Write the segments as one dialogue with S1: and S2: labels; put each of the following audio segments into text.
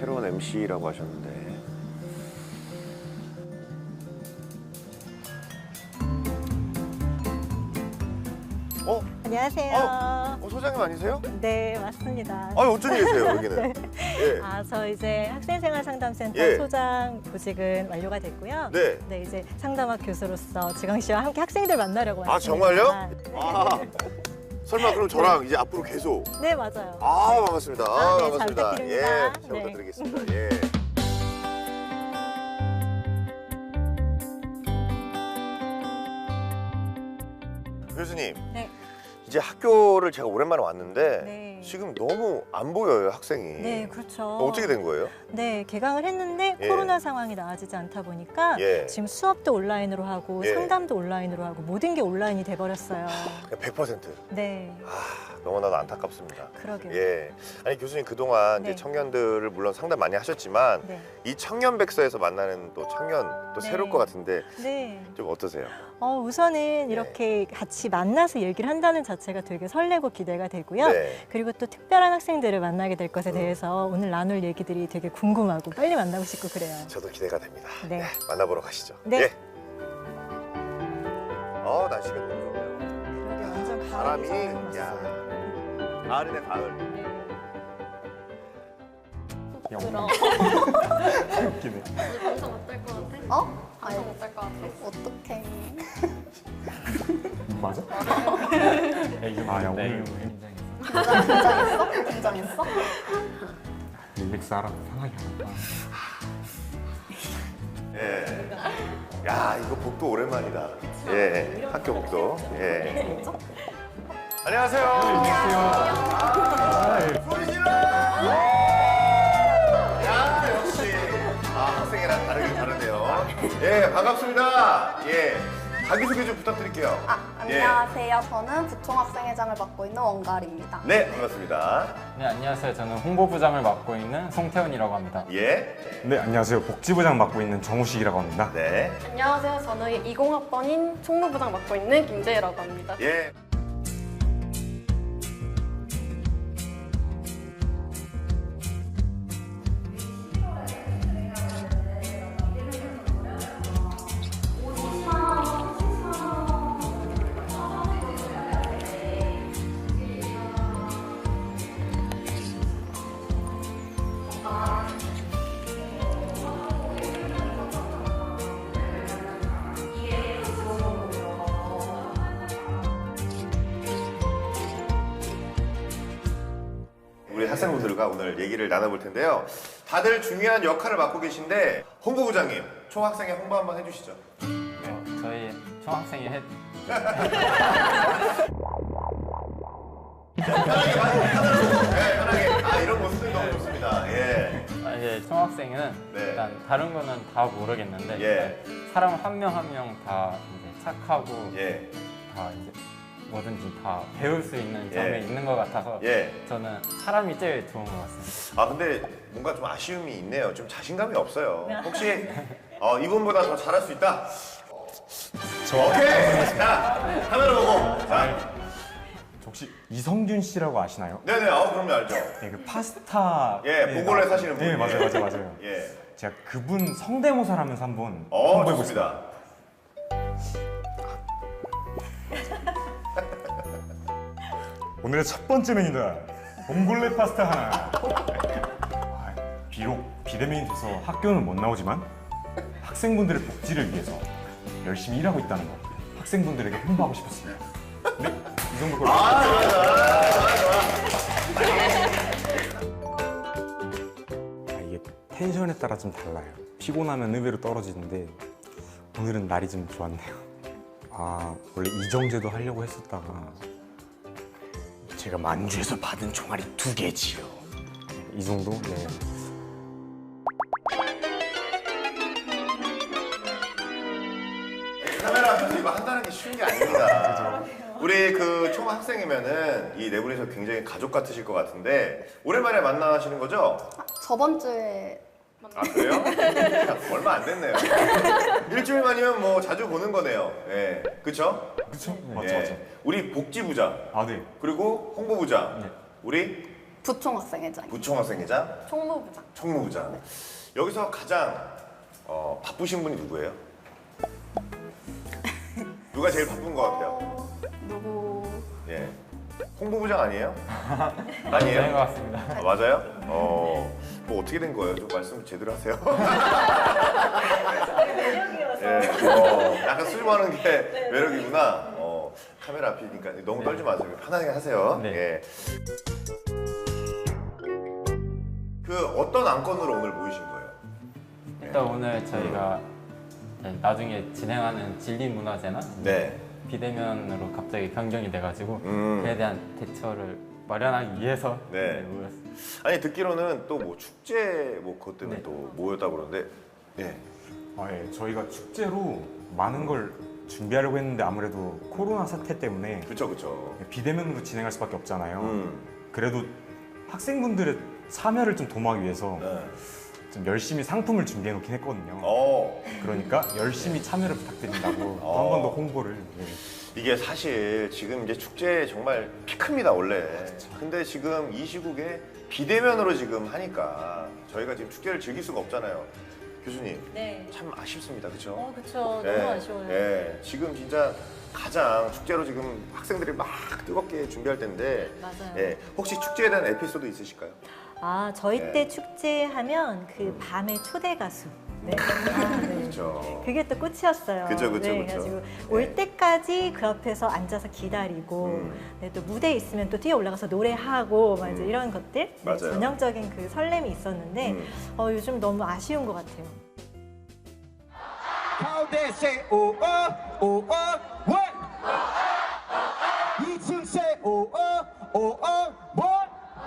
S1: 새로운 MC라고 하셨는데.
S2: 안녕하세요.
S1: 소장님 아니세요?
S2: 네, 맞습니다.
S1: 어쩐 일이세요, 여기는?
S2: 네.
S1: 예.
S2: 저 이제 학생생활상담센터
S1: 예.
S2: 소장 보직은 완료가 됐고요.
S1: 네.
S2: 네, 이제 상담학 교수로서 지광 씨와 함께 학생들 만나려고 왔습니다.
S1: 정말요? 설마 그럼 저랑 이제 앞으로 계속?
S2: 네, 맞아요.
S1: 반갑습니다.
S2: 네, 잘
S1: 반갑습니다.
S2: 부탁드립니다.
S1: 잘
S2: 네.
S1: 부탁드리겠습니다. 예. 교수님.
S2: 네.
S1: 이제 학교를 제가 오랜만에 왔는데
S2: 네.
S1: 지금 너무 안 보여요, 학생이.
S2: 네, 그렇죠.
S1: 어떻게 된 거예요?
S2: 네, 개강을 했는데
S1: 예.
S2: 코로나 상황이 나아지지 않다 보니까
S1: 예.
S2: 지금 수업도 온라인으로 하고
S1: 예.
S2: 상담도 온라인으로 하고 모든 게 온라인이 돼버렸어요.
S1: 100%.
S2: 네,
S1: 너무나도 안타깝습니다.
S2: 그러게요.
S1: 예. 아니 교수님 그동안
S2: 네.
S1: 이제 청년들을 물론 상담 많이 하셨지만
S2: 네.
S1: 이 청년백서에서 만나는 또 청년 또
S2: 네.
S1: 새로울 것 같은데
S2: 네.
S1: 좀 어떠세요?
S2: 우선은 이렇게 같이 만나서 얘기를 한다는 자체가 되게 설레고 기대가 되고요.
S1: 네.
S2: 그리고 또 특별한 학생들을 만나게 될 것에 대해서 오늘 나눌 얘기들이 되게 궁금하고 빨리 만나고 싶고 그래요.
S1: 저도 기대가 됩니다.
S2: 네.
S1: 만나보러 가시죠.
S2: 네.
S1: 예. 날씨가 너무 좋네요.
S2: 그러게 완전
S1: 바람이
S2: 가을이
S1: 야 가을이네 가을.
S3: 들어.
S4: 웃기네.
S3: 방송 어떨 것 같아? 방송 어떨 것 같아?
S5: 어떡해.
S4: 맞아? 야 오늘
S5: 긴장했어? 긴장했어?
S4: 릴렉스 하라고 상하게 하나.
S1: 예. 야 이거 복도 오랜만이다. 예. 학교 복도. 예. 안녕하세요. 안녕하세요. 소리 질러. 야 역시 학생이랑 다르긴 다르네요. 예 반갑습니다. 예 자기소개 좀 부탁드릴게요.
S5: 안녕하세요. 저는 부총학생회장을 맡고 있는 원갈입니다.
S1: 네 반갑습니다.
S6: 네, 안녕하세요. 저는 홍보부장을 맡고 있는 송태훈이라고 합니다.
S1: 예.
S4: 네 안녕하세요. 복지부장 맡고 있는 정우식이라고 합니다.
S1: 네.
S3: 안녕하세요. 저는 20학번인 총무부장 맡고 있는 김재희라고 합니다.
S1: 예. 우리 학생분들과 오늘 얘기를 나눠볼 텐데요. 다들 중요한 역할을 맡고 계신데 홍보부장님, 총학생회 홍보 한번 해주시죠.
S6: 저희 총학생이
S1: 편하게. 이런 모습들 너무 좋습니다. 예.
S6: 이제 총학생은
S1: 네.
S6: 일단 다른 거는 다 모르겠는데
S1: 예.
S6: 일단 사람 한 명 한 명 다 이제 착하고
S1: 예.
S6: 다 이제 뭐든지 다 배울 수 있는 점이
S1: 예.
S6: 있는 것 같아서
S1: 예.
S6: 저는 사람이 제일 좋은 것 같습니다.
S1: 근데 뭔가 좀 아쉬움이 있네요. 좀 자신감이 없어요. 혹시 이분보다 더 잘할 수 있다? 오케이. 자, 카메라 보고. 자.
S4: 혹시 이성균 씨라고 아시나요?
S1: 네네. 그럼요 알죠.
S4: 네, 그 파스타.
S1: 보골에 사시는 분.
S4: 네 맞아요.
S1: 예.
S4: 제가 그분 성대모사를 하면서 한번 홍보해보겠습니다.
S1: 좋습니다.
S4: 오늘의 첫 번째 메뉴다. 봉골레 파스타 하나. 비록 비대면이 돼서 학교는 못 나오지만 학생분들의 복지를 위해서 열심히 일하고 있다는 거 학생분들에게 홍보하고 싶었습니다. 네, 이 정도 걸로. 이게 텐션에 따라 좀 달라요. 피곤하면 의외로 떨어지는데 오늘은 날이 좀 좋았네요. 원래 이정재도 하려고 했었다가 제가 만주에서 받은 총알이 2개지요. 이 정도? 네.
S1: 카메라 앞에서 이거 한다는 게 쉬운 게 아닙니다. 우리 그 총학생이면은 이 네 분이서 굉장히 가족 같으실 것 같은데 오랜만에 만나시는 거죠?
S5: 저번 주에
S1: 그래요? 얼마 안 됐네요. 일주일 만이면 뭐 자주 보는 거네요. 예, 그렇죠?
S4: 그렇죠? 맞죠.
S1: 우리 복지부장
S4: 네.
S1: 그리고 홍보부장
S4: 네.
S1: 우리
S5: 부총학생회장.
S1: 부총학생회장,
S3: 총무부장.
S1: 총무부장. 여기서 가장 바쁘신 분이 누구예요? 누가 제일 바쁜 것 같아요?
S5: 누구?
S1: 예. 홍보부장 아니에요?
S6: 되는 것
S1: 아니에요?
S6: 같습니다.
S1: 아, 맞아요? 뭐 어떻게 된 거예요? 좀 말씀 제대로 하세요. 예, 약간 술 마는 게 매력이구나. 카메라 앞이니까 너무 떨지 마세요. 편하게 하세요.
S6: 네.
S1: 예. 그 어떤 안건으로 오늘 모이신 거예요?
S6: 일단 오늘 저희가 나중에 진행하는 진리문화제나
S1: 네.
S6: 비대면으로 갑자기 변경이 돼가지고
S1: 음.
S6: 그에 대한 대처를 마련하기 위해서
S1: 네.
S6: 모였습니다.
S1: 아니 듣기로는 또 뭐 축제 뭐 그것 때문에
S6: 네.
S1: 또 모였다고 그러는데 예.
S4: 예, 저희가 축제로 많은 걸 준비하려고 했는데 아무래도 코로나 사태 때문에
S1: 그쵸.
S4: 비대면으로 진행할 수밖에 없잖아요.
S1: 음.
S4: 그래도 학생분들의 참여를 좀 도모하기 위해서
S1: 네.
S4: 좀 열심히 상품을 준비해 놓긴 했거든요.
S1: 어.
S4: 그러니까 열심히 참여를 부탁드린다고 또 한 번 더 홍보를.
S1: 이게 사실 지금 이제 축제 정말 피크입니다 원래. 근데 지금 이 시국에 비대면으로 지금 하니까 저희가 지금 축제를 즐길 수가 없잖아요. 교수님
S2: 네.
S1: 참 아쉽습니다, 그렇죠?
S2: 그쵸.
S1: 예,
S2: 너무 아쉬워요.
S1: 예, 지금 진짜 가장 축제로 지금 학생들이 막 뜨겁게 준비할 텐데.
S2: 맞아요.
S1: 예, 혹시 축제에 대한 에피소드 있으실까요?
S2: 아, 저희
S1: 네.
S2: 때 축제하면 그 밤의 초대 가수. 네. 아, 네.
S1: 그렇죠.
S2: 그게 또 끝이었어요.
S1: 그쵸.
S2: 네, 그래가지고 올 때까지 그 앞에서 앉아서 기다리고 네, 또 무대에 있으면 또 뛰어 올라가서 노래하고 막 이제 이런 것들 네,
S1: 맞아요.
S2: 전형적인 그 설렘이 있었는데 요즘 너무 아쉬운 것 같아요.
S7: How they say oh what? 2층 say oh what?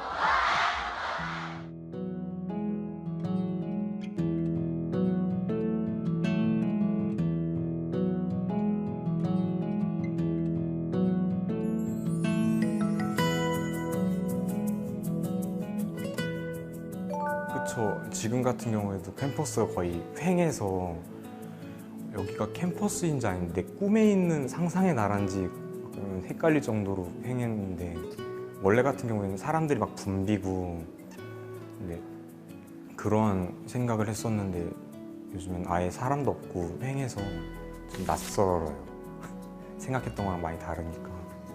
S4: 그쵸. 지금 같은 경우에도 캠퍼스가 거의 횡해서 여기가 캠퍼스인지 아닌데 꿈에 있는 상상의 나라인지 헷갈릴 정도로 횡했는데 원래 같은 경우에는 사람들이 막 붐비고 근데 그런 생각을 했었는데 요즘엔 아예 사람도 없고 횡해서 좀 낯설어요. 생각했던 거랑 많이 다르니까.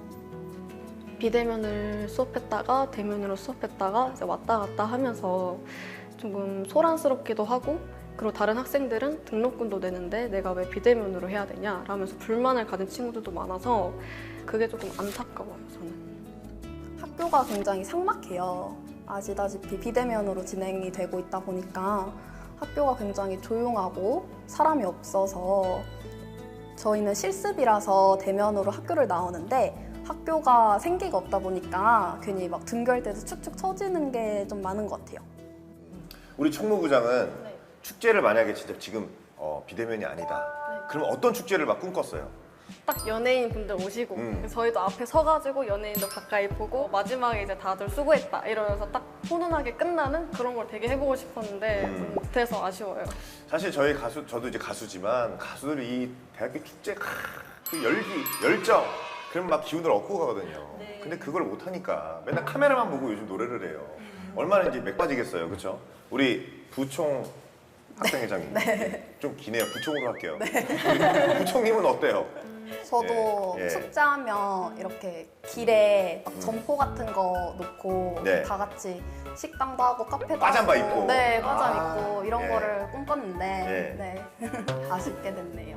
S3: 비대면을 수업했다가 대면으로 수업했다가 이제 왔다 갔다 하면서 조금 소란스럽기도 하고, 그리고 다른 학생들은 등록금도 내는데 내가 왜 비대면으로 해야 되냐 라면서 불만을 가진 친구들도 많아서 그게 조금 안타까워요, 저는.
S5: 학교가 굉장히 삭막해요. 아시다시피 비대면으로 진행이 되고 있다 보니까 학교가 굉장히 조용하고 사람이 없어서 저희는 실습이라서 대면으로 학교를 나오는데 학교가 생기가 없다 보니까 괜히 막 등교할 때도 축축 처지는 게 좀 많은 것 같아요.
S1: 우리 총무부장은 축제를 만약에 진짜 지금 비대면이 아니다. 그러면 어떤 축제를 막 꿈꿨어요?
S3: 딱 연예인 분들 오시고 그래서 저희도 앞에 서가지고 연예인도 가까이 보고 마지막에 이제 다들 수고했다 이러면서 딱 훈훈하게 끝나는 그런 걸 되게 해보고 싶었는데 좀 못해서 아쉬워요.
S1: 사실 저희 저도 이제 가수지만 가수들이 이 대학교 축제 그 열정 그럼 막 기운을 얻고 가거든요. 근데 그걸 못 하니까 맨날 카메라만 보고 요즘 노래를 해요. 얼마나 이제 맥 빠지겠어요, 그렇죠? 우리 부총 학생회장님 좀 기네요. 부총으로 할게요. 우리 부총님은 어때요?
S5: 저도
S1: 예, 예.
S5: 숙제하면 이렇게 길에 막 점포 같은 거 놓고
S1: 네.
S5: 다 같이 식당도 하고 카페도
S1: 빠잠바
S5: 하고
S1: 입고.
S5: 네, 빠잠
S1: 아,
S5: 입고 이런
S1: 예.
S5: 거를 꿈꿨는데 네. 아쉽게 됐네요.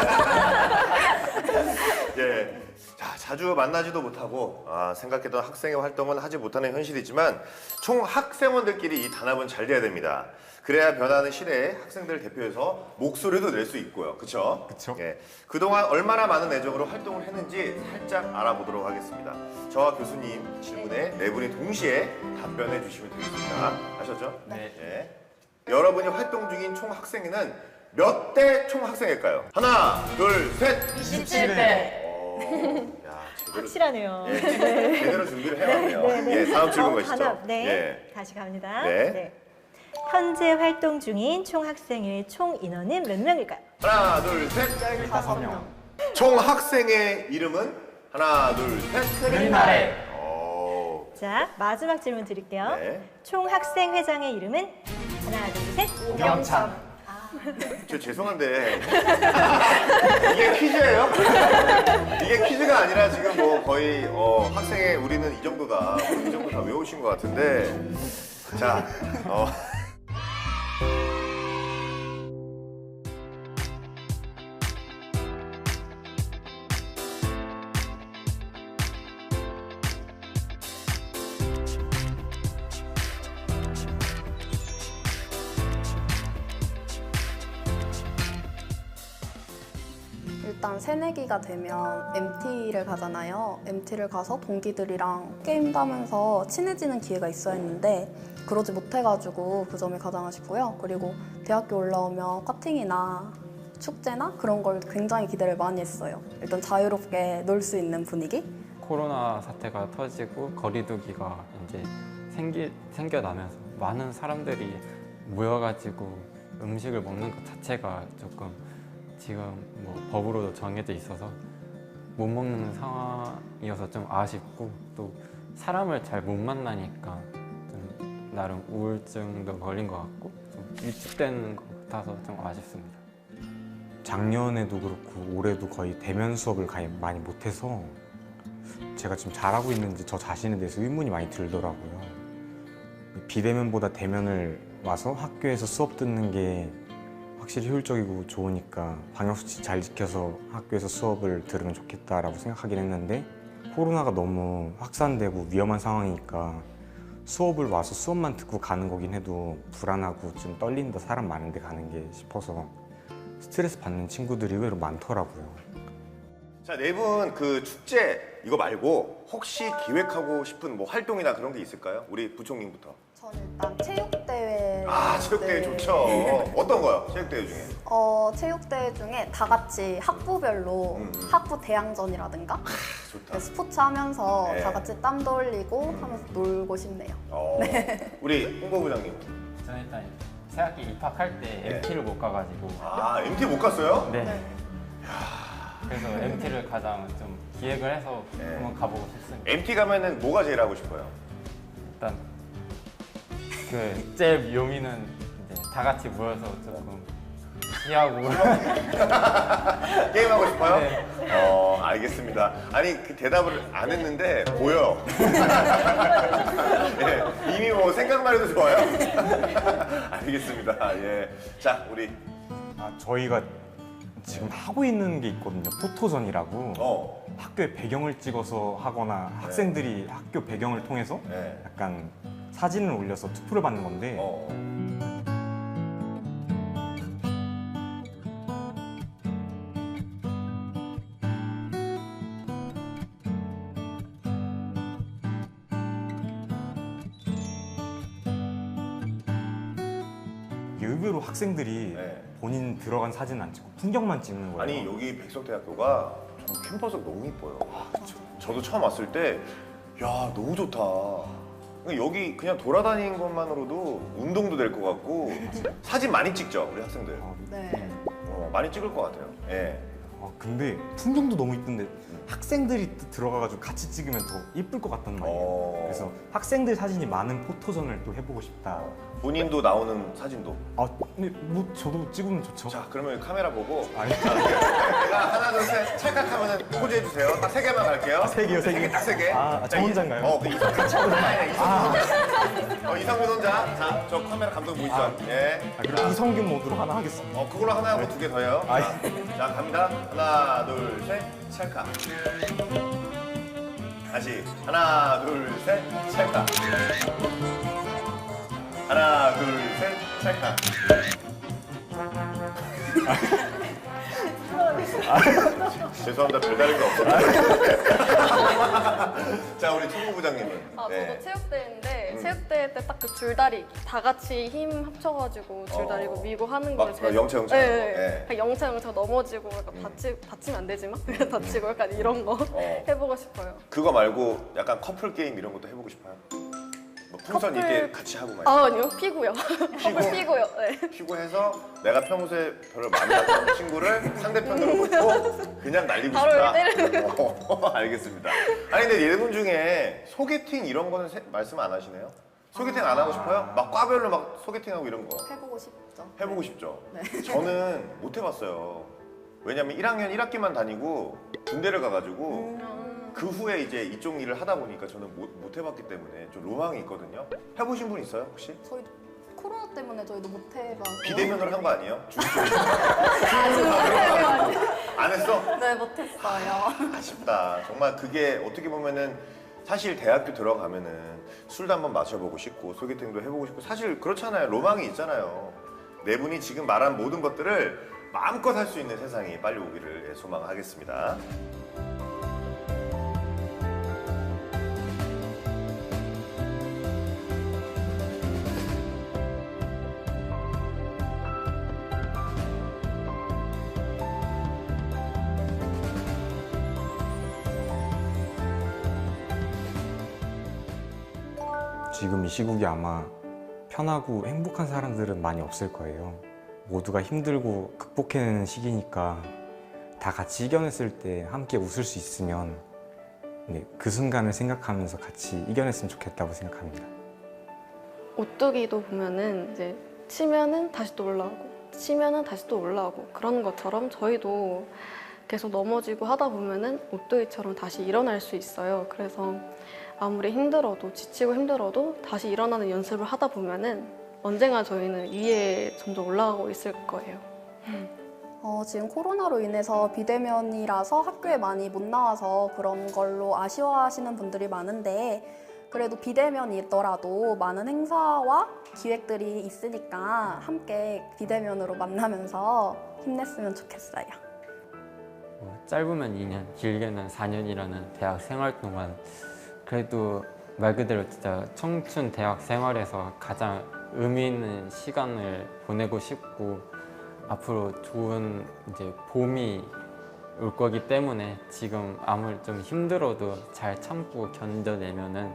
S1: 예. 자, 자주 만나지도 못하고 생각했던 학생의 활동은 하지 못하는 현실이지만 총 학생원들끼리 이 단합은 잘 돼야 됩니다. 그래야 변하는 시대에 학생들을 대표해서 목소리도 낼 수 있고요. 그렇죠?
S4: 그쵸.
S1: 예. 그동안 얼마나 많은 애정으로 활동을 했는지 살짝 알아보도록 하겠습니다. 저와 교수님 질문에 네 분이 동시에 답변해 주시면 되겠습니다. 아셨죠?
S6: 네.
S1: 예. 여러분이 활동 중인 총 학생회는 몇 대 총 학생일까요? 하나, 둘, 셋.
S3: 27대.
S1: 야, 제대로,
S2: 확실하네요.
S1: 예, 제대로 준비를 해왔네요. 예, 다음 질문 가시죠.
S2: 단합. 네.
S1: 예.
S2: 다시 갑니다.
S1: 네.
S2: 현재 활동 중인 총 학생회 총 인원은 몇 명일까요?
S1: 하나, 둘, 셋.
S5: 15명.
S1: 총 학생의 이름은 하나, 둘, 셋.
S6: 그린아래.
S2: 자, 마지막 질문 드릴게요.
S1: 네.
S2: 총학생회장의 이름은? 하나, 둘, 셋.
S3: 오경찬.
S1: 저 죄송한데 이게 퀴즈예요? 이게 퀴즈가 아니라 지금 뭐 거의 학생의 우리는 이 정도다. 이 정도 다 외우신 것 같은데 자
S5: 일단 새내기가 되면 MT를 가잖아요. MT를 가서 동기들이랑 게임도 하면서 친해지는 기회가 있어야 했는데 그러지 못해가지고 그 점이 가장 아쉽고요. 그리고 대학교 올라오면 커팅이나 축제나 그런 걸 굉장히 기대를 많이 했어요. 일단 자유롭게 놀 수 있는 분위기?
S6: 코로나 사태가 터지고 거리두기가 이제 생겨나면서 많은 사람들이 모여가지고 음식을 먹는 것 자체가 조금 지금 뭐 법으로도 정해져 있어서 못 먹는 상황이어서 좀 아쉽고 또 사람을 잘 못 만나니까 좀 나름 우울증도 걸린 것 같고 좀 위축되는 것 같아서 좀 아쉽습니다.
S4: 작년에도 그렇고 올해도 거의 대면 수업을 많이 못해서 제가 지금 잘하고 있는지 저 자신에 대해서 의문이 많이 들더라고요. 비대면보다 대면을 와서 학교에서 수업 듣는 게 확실히 효율적이고 좋으니까 방역수칙 잘 지켜서 학교에서 수업을 들으면 좋겠다라고 생각하긴 했는데 코로나가 너무 확산되고 위험한 상황이니까 수업을 와서 수업만 듣고 가는 거긴 해도 불안하고 좀 떨린다, 사람 많은데 가는 게 싶어서 스트레스 받는 친구들이 의외로 많더라고요.
S1: 자, 네 분 그 축제 이거 말고 혹시 기획하고 싶은 뭐 활동이나 그런 게 있을까요? 우리 부총님부터.
S5: 저는 일단 체육대회.
S1: 체육대회 좋죠. 어떤 거요? 체육대회 중에?
S5: 체육대회 중에 다 같이 학부별로 학부 대항전이라든가
S1: 좋다.
S5: 스포츠 하면서
S1: 네.
S5: 다 같이 땀도 흘리고 하면서 놀고 싶네요.
S1: 우리 홍보부장님.
S6: 저는 일단 새학기 입학할 때 MT를 못 가가지고
S1: MT 못 갔어요?
S6: 네. 그래서 MT를 가장 좀 기획을 해서 한번 가보고 싶습니다.
S1: MT 가면은 뭐가 제일 하고 싶어요?
S6: 일단 그 제일 묘미는 이제 다 같이 모여서 조금 시하고
S1: 게임하고 싶어요?
S6: 네.
S1: 알겠습니다. 아니 그 대답을 안 했는데 보여. 예, 이미 뭐 생각만 해도 좋아요. 알겠습니다. 예. 자, 우리
S4: 저희가 지금 하고 있는 게 있거든요. 포토전이라고 학교의 배경을 찍어서 하거나 학생들이 학교 배경을 통해서 약간 사진을 올려서 투표를 받는 건데 의외로 학생들이 본인 들어간 사진은 안 찍고 풍경만 찍는 거예요.
S1: 아니 여기 백석대학교가 좀 캠퍼스가 너무 이뻐요. 저도 처음 왔을 때 야 너무 좋다. 여기 그냥 돌아다니는 것만으로도 운동도 될 것 같고 사진 많이 찍죠 우리 학생들.
S5: 네.
S1: 많이 찍을 것 같아요. 예.
S4: 근데 풍경도 너무 이쁜데 학생들이 들어가가지고 같이 찍으면 더 이쁠 것 같단 말이에요. 그래서 학생들 사진이 많은 포토전을 또 해보고 싶다.
S1: 본인도 나오는 사진도.
S4: 근데 뭐 저도 찍으면 좋죠.
S1: 자, 그러면 카메라 보고
S4: 아니,
S1: 제가 하나 둘 셋 찰칵하면은 포즈 해주세요. 딱 3개만 갈게요.
S4: 3개요, 3개.
S1: 딱 3개.
S4: 저 혼자인가요?
S1: 이성균 혼자. 자, 저 카메라 감독 보이죠? 예.
S4: 그럼 이성균 모드로 하나 하겠습니다.
S1: 그걸로 하나 하고 2개 더 해요. 자, 갑니다. 하나, 둘, 셋, 찰칵. 다시. 하나, 둘, 셋, 찰칵. 하나, 둘, 셋, 찰칵. 죄송합니다. 별다른 게 없어요. 자, 우리 총무부장님은.
S3: 저도 체육대회인데 체육대회 때 딱 그 줄다리기 다 같이 힘 합쳐가지고 줄다리고 밀고 하는 걸
S1: 막 영차 영차 하는 거.
S3: 네. 영차 넘어지고 약간 다치면 안 되지만 그냥 다치고 약간 이런 거 해보고 싶어요.
S1: 그거 말고 약간 커플 게임 이런 것도 해보고 싶어요? 뭐 풍선
S3: 커플-
S1: 이렇게 같이 하고 말이야.
S3: 아, 아니요, 피고요.
S1: 피고?
S3: 피고요. 네.
S1: 피고 해서 내가 평소에 별로 만났던 친구를 상대편으로 놓고 그냥 날리고
S3: 바로
S1: 싶다.
S3: 이렇게
S1: 알겠습니다. 아니 근데 예분 중에 소개팅 이런 거는 말씀 안 하시네요? 소개팅 안 하고 싶어요? 막 과별로 막 소개팅하고 이런 거
S5: 해보고 싶죠.
S1: 해보고 싶죠?
S5: 네.
S1: 저는 못 해봤어요. 왜냐면 1학년 1학기만 다니고 군대를 가가지고 그 후에 이제 이쪽 일을 하다 보니까 저는 못 해봤기 때문에 좀 로망이 있거든요. 해보신 분 있어요 혹시?
S5: 저희 코로나 때문에 저희도 못 해봐서.
S1: 비대면으로 한 거 아니에요? 안 했어?
S5: 네, 못했어요.
S1: 아쉽다. 정말 그게 어떻게 보면은 사실 대학교 들어가면은 술도 한번 마셔보고 싶고 소개팅도 해보고 싶고 사실 그렇잖아요. 로망이 있잖아요. 네 분이 지금 말한 모든 것들을 마음껏 할 수 있는 세상이 빨리 오기를 소망하겠습니다.
S4: 지금 이 시국이 아마 편하고 행복한 사람들은 많이 없을 거예요. 모두가 힘들고 극복해내는 시기니까 다 같이 이겨냈을 때 함께 웃을 수 있으면 그 순간을 생각하면서 같이 이겨냈으면 좋겠다고 생각합니다.
S3: 오뚜기도 보면은 이제 치면은 다시 또 올라오고 치면은 다시 또 올라오고 그런 것처럼 저희도 계속 넘어지고 하다 보면은 오뚜기처럼 다시 일어날 수 있어요. 그래서 아무리 힘들어도 지치고 힘들어도 다시 일어나는 연습을 하다 보면은 언젠가 저희는 위에 점점 올라가고 있을 거예요.
S5: 지금 코로나로 인해서 비대면이라서 학교에 많이 못 나와서 그런 걸로 아쉬워하시는 분들이 많은데 그래도 비대면이더라도 많은 행사와 기획들이 있으니까 함께 비대면으로 만나면서 힘냈으면 좋겠어요.
S6: 짧으면 2년, 길게는 4년이라는 대학 생활 동안 그래도 말 그대로 진짜 청춘 대학 생활에서 가장 의미 있는 시간을 보내고 싶고 앞으로 좋은 이제 봄이 올 거기 때문에 지금 아무리 좀 힘들어도 잘 참고 견뎌내면은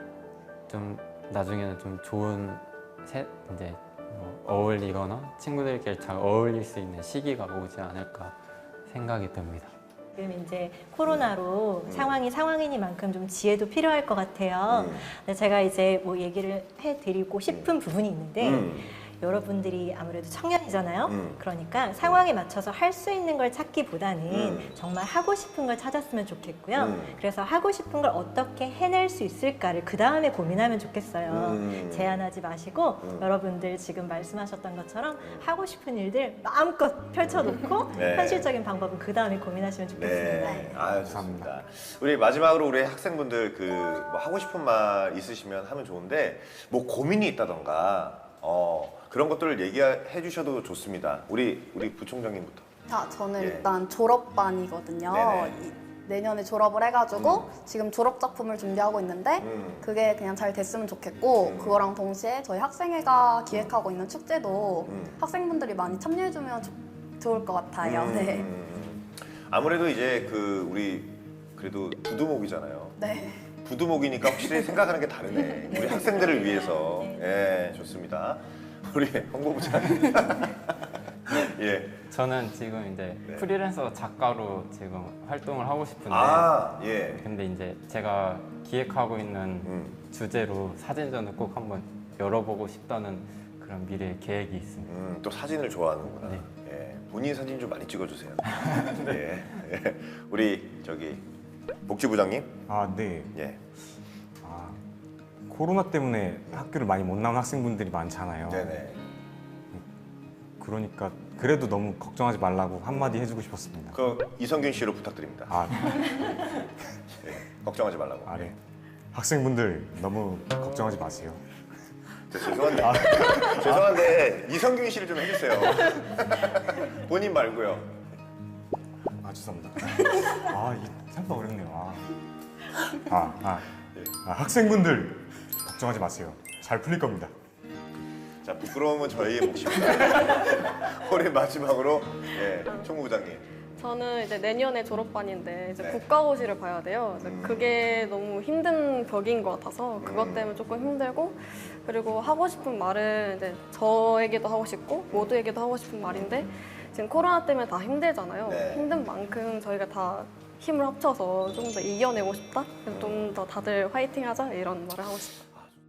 S6: 좀 나중에는 좀 좋은 이제 어울리거나 친구들끼리 잘 어울릴 수 있는 시기가 오지 않을까 생각이 듭니다.
S2: 지금 이제 코로나로 상황이 상황이니만큼 좀 지혜도 필요할 것 같아요. 근데 제가 이제 뭐 얘기를 해드리고 싶은 부분이 있는데 여러분들이 아무래도 청년이잖아요. 그러니까 상황에 맞춰서 할 수 있는 걸 찾기보다는 정말 하고 싶은 걸 찾았으면 좋겠고요. 그래서 하고 싶은 걸 어떻게 해낼 수 있을까를 그 다음에 고민하면 좋겠어요. 제한하지 마시고 여러분들 지금 말씀하셨던 것처럼 하고 싶은 일들 마음껏 펼쳐놓고
S1: 네.
S2: 현실적인 방법은 그 다음에 고민하시면 좋겠습니다.
S1: 네, 아유 좋습니다. 우리 마지막으로 우리 학생분들 그 뭐 하고 싶은 말 있으시면 하면 좋은데 뭐 고민이 있다던가 그런 것들을 얘기해 주셔도 좋습니다. 우리 부총장님부터.
S5: 자, 저는
S1: 예.
S5: 일단 졸업반이거든요.
S1: 네네.
S5: 내년에 졸업을 해가지고 지금 졸업 작품을 준비하고 있는데 그게 그냥 잘 됐으면 좋겠고 그거랑 동시에 저희 학생회가 기획하고 있는 축제도 학생분들이 많이 참여해주면 좋을 것 같아요. 네.
S1: 아무래도 이제 그 우리 그래도 부두목이잖아요.
S5: 네.
S1: 부두목이니까 확실히 생각하는 게 다르네. 우리 학생들을 위해서. 예, 좋습니다. 우리 홍보부장님. 예.
S6: 저는 지금 이제
S1: 네.
S6: 프리랜서 작가로 지금 활동을 하고 싶은데
S1: 예.
S6: 근데 이제 제가 기획하고 있는 주제로 사진전을 꼭 한번 열어보고 싶다는 그런 미래 계획이 있습니다.
S1: 또 사진을 좋아하는구나.
S6: 네.
S1: 예. 본인 사진 좀 많이 찍어주세요. 예. 예. 우리 저기 복지부장님.
S4: 네.
S1: 예.
S4: 코로나 때문에 학교를 많이 못 나온 학생분들이 많잖아요.
S1: 네네.
S4: 그러니까 그래도 너무 걱정하지 말라고 한마디 해주고 싶었습니다.
S1: 그 이성균 씨로 부탁드립니다. 예. 걱정하지 말라고.
S4: 네. 학생분들 너무 걱정하지 마세요.
S1: 죄송한데 죄송한데 이성균 씨를 좀 해주세요. 본인 말고요.
S4: 죄송합니다. 이게 생각보다 어렵네요. 학생분들 걱정하지 마세요. 잘 풀릴 겁니다.
S1: 자, 부끄러움은 저희의 몫입니다. 우리 마지막으로 예, 총무부장님.
S3: 저는 이제 내년에 졸업반인데 이제
S1: 네.
S3: 국가고시를 봐야 돼요. 이제 그게 너무 힘든 벽인 것 같아서 그것 때문에 조금 힘들고, 그리고 하고 싶은 말은 이제 저에게도 하고 싶고 모두에게도 하고 싶은 말인데, 지금 코로나 때문에 다 힘들잖아요.
S1: 네.
S3: 힘든 만큼 저희가 다 힘을 합쳐서 좀 더 이겨내고 싶다. 좀 더 다들 화이팅하자 이런 말을 하고 싶어요.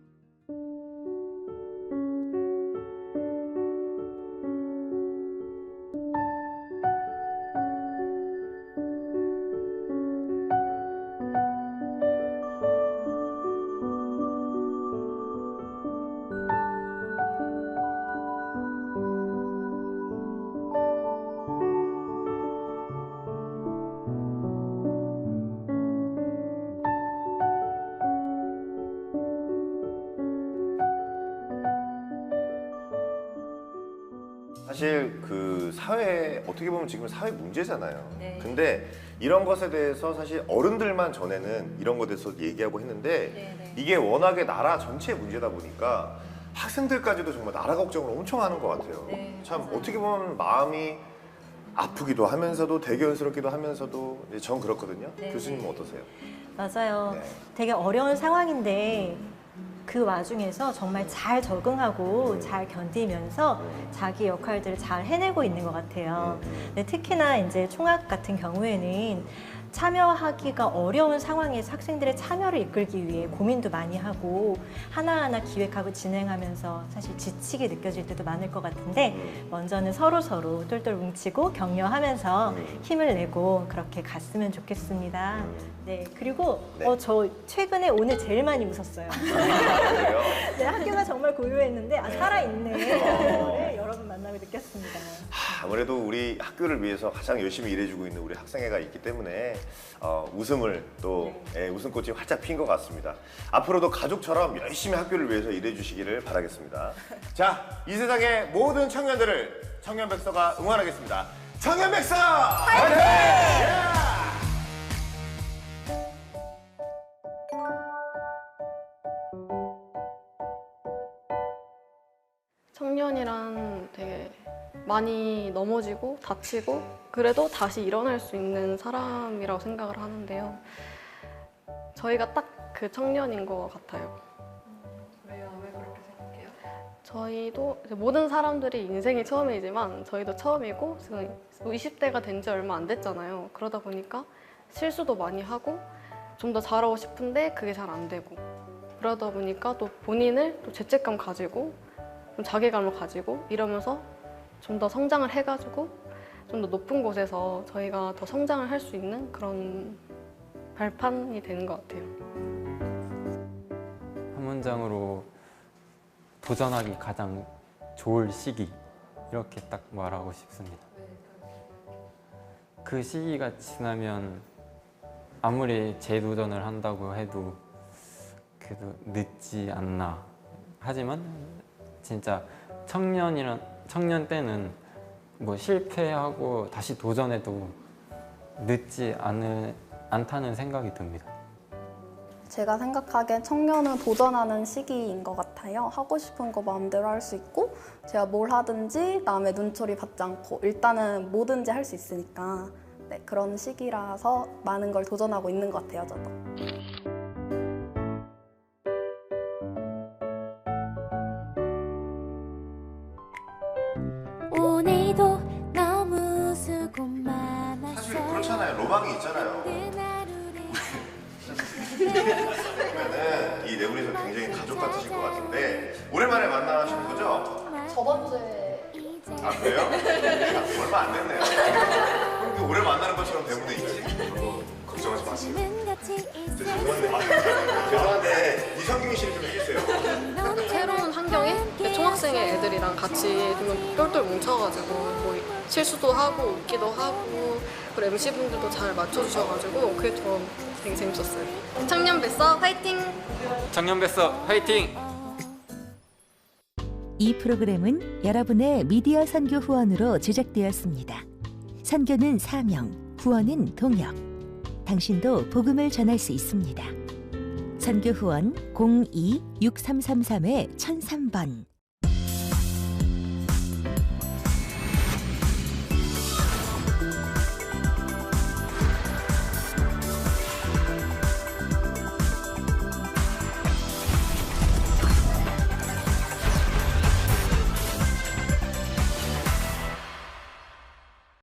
S1: 사실 그 사회 어떻게 보면 지금 사회 문제잖아요.
S2: 네.
S1: 근데 이런 것에 대해서 사실 어른들만 전에는 이런 것에 대해서 얘기하고 했는데
S2: 네.
S1: 이게 워낙에 나라 전체의 문제다 보니까 학생들까지도 정말 나라 걱정을 엄청 하는 것 같아요.
S2: 네,
S1: 참
S2: 맞아요.
S1: 어떻게 보면 마음이 아프기도 하면서도 대견스럽기도 하면서도 이제 전 그렇거든요.
S2: 네.
S1: 교수님은 어떠세요?
S2: 맞아요.
S1: 네.
S2: 되게 어려운 상황인데 그 와중에서 정말 잘 적응하고 잘 견디면서 자기 역할들을 잘 해내고 있는 것 같아요. 근데 특히나 이제 총학 같은 경우에는 참여하기가 어려운 상황에서 학생들의 참여를 이끌기 위해 고민도 많이 하고 하나하나 기획하고 진행하면서 사실 지치게 느껴질 때도 많을 것 같은데 먼저는 서로 똘똘 뭉치고 격려하면서 힘을 내고 그렇게 갔으면 좋겠습니다. 네, 그리고
S1: 네.
S2: 저 최근에 오늘 제일 많이 웃었어요.
S1: 그래요?
S2: 네, 학교가 정말 고요했는데 살아있네. 네, 여러분 만나고 느꼈습니다.
S1: 아무래도 우리 학교를 위해서 가장 열심히 일해주고 있는 우리 학생회가 있기 때문에 웃음을 또 웃음꽃이 활짝 핀 것 같습니다. 앞으로도 가족처럼 열심히 학교를 위해서 일해주시기를 바라겠습니다. 자, 이 세상의 모든 청년들을 청년백서가 응원하겠습니다. 청년백서! 화이팅!
S3: 청년이란 되게 많이 넘어지고 다치고 그래도 다시 일어날 수 있는 사람이라고 생각을 하는데요. 저희가 딱 그 청년인 것 같아요.
S8: 왜요? 왜 그렇게 생각해요?
S3: 저희도 이제 모든 사람들이 인생이 처음이지만 저희도 처음이고 지금 20대가 된 지 얼마 안 됐잖아요. 그러다 보니까 실수도 많이 하고 좀 더 잘하고 싶은데 그게 잘 안 되고 그러다 보니까 또 본인을 또 죄책감 가지고 좀 자괴감을 가지고 이러면서 좀 더 성장을 해가지고 좀 더 높은 곳에서 저희가 더 성장을 할 수 있는 그런 발판이 되는 것 같아요.
S6: 한 문장으로 도전하기 가장 좋을 시기 이렇게 딱 말하고 싶습니다. 그 시기가 지나면 아무리 재도전을 한다고 해도 그래도 늦지 않나. 하지만 진짜 청년 때는 뭐 실패하고 다시 도전해도 늦지 않다는 생각이 듭니다.
S5: 제가 생각하기엔 청년은 도전하는 시기인 것 같아요. 하고 싶은 거 마음대로 할 수 있고 제가 뭘 하든지 남의 눈초리 받지 않고 일단은 뭐든지 할 수 있으니까 네, 그런 시기라서 많은 걸 도전하고 있는 것 같아요, 저도.
S9: 오늘도 너무 수고 많았어.
S1: 사실 그렇잖아요. 로망이 있잖아요. 그러면은 이 네 분이서 굉장히 가족 같으실 것 같은데 오랜만에 만나신 거죠?
S5: 저번 주에
S1: 아 그래요? 얼마 안 됐네요. 그렇게 오래 만나는 것처럼 대본에 있지? 걱정하지 마세요. 죄송한데 이성균 씨를 좀 해주세요.
S3: 새로운 환경에 총학생회 애들이랑 같이 좀 똘똘 뭉쳐가지고 뭐 실수도 하고 웃기도 하고 그리고 MC분들도 잘 맞춰주셔가지고 그게 좀 되게 재밌었어요. 청년뱃서 화이팅!
S6: 청년뱃서 화이팅!
S10: 이 프로그램은 여러분의 미디어 선교 후원으로 제작되었습니다. 선교는 사명, 후원은 동역. 당신도 복음을 전할 수 있습니다. 선교 후원 02-6333-1003번